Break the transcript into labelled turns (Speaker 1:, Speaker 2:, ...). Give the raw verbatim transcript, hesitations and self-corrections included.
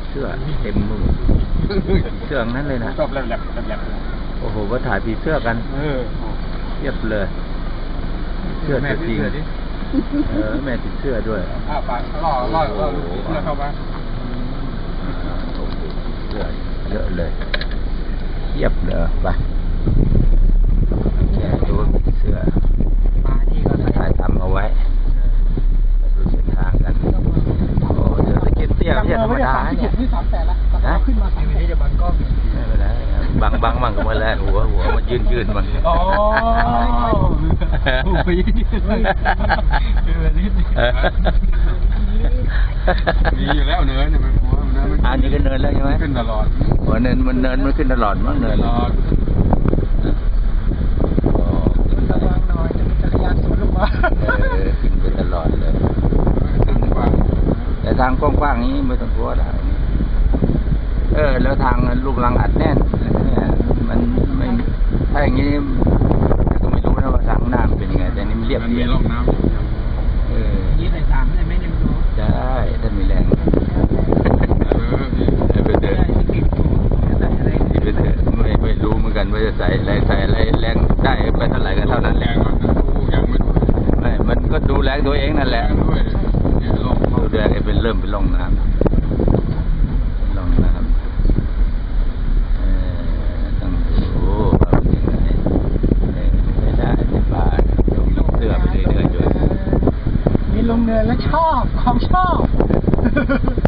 Speaker 1: เสื้อเต็มมือเสื้อนั้นเลยนะ
Speaker 2: ชอบแหลบๆแหลบ
Speaker 1: โอ้โหก็ถ่ายผีเสื้อกัน
Speaker 2: เออ
Speaker 1: เทียบเลยเสื้อตัวจริงเออแม่ติดเสื้อด้วย
Speaker 2: อ้าวปากล่อล่อล่อเสื้อเข้ามา
Speaker 1: โอ้โหเสื้อเยอะเลยเทียบเลยไปแกดูเสื้อถ่ายทำเอาไว้ดูเส้นทางกันโอ้เดี๋ยวสเก็ตเตี้ยไม่ใช่ธรรมดาเนี่ย
Speaker 2: นี่สามแสนละนะขึ้นมาสามนี้จะบังกล้อง
Speaker 1: ไม่เป็นไรบังบังบังกันมาแล้วหัวหัวมันยืนยืนบัง
Speaker 2: อ๋อหัวยืนยืนมีอยู่แล้วเนินเนี่ยมันหัวมัน
Speaker 1: อันนี้ก็เนินแล้วใช่ไหม
Speaker 2: ขึ้นตลอด
Speaker 1: หัวเนินมันเนินมันขึ้นตลอดมั้งเนิน
Speaker 2: ตลอดระวังหน่อยจะมีจักรยานสวนลงมา
Speaker 1: เออขึ้นไปตลอดเลยแต่ทางกว้างๆนี้ไม่ต้องกลัวได้เออแล้วทางลูกรังอัดแน่นเนี่ยมันไม่ถ้าอย่างนี้ก็ไม่รู้นะว่าทางน้ำเป็นยังไงแต่นี่มันเรียบเรียบ
Speaker 2: มีร่องน้ำ
Speaker 1: เออ
Speaker 2: ยี่ใส่สามได้ไหมเนี่ยไม่รู้
Speaker 1: ได้ถ้ามีแรง
Speaker 2: เออพี่
Speaker 1: ไปเดินไปเดินไม่ไม่รู้เหมือนกันว่าจะใส่อะไรใส่อะไรแรงได้ไปเท่าไหร่ก็เท่านั้นแหละ
Speaker 2: ยังไม่รู้
Speaker 1: ไม่มันก็ดูแรงตัวเองนั่นแหละดูแรงเป็นเริ่มเป็นร่องน้ำร่องน้ำเออต้องดูว่าเป็นยังไงไม่ได้ไม่ป่าเสื้อไปเรื่อยๆด้วย
Speaker 2: มีลงเนินแล้วชอบของชอบ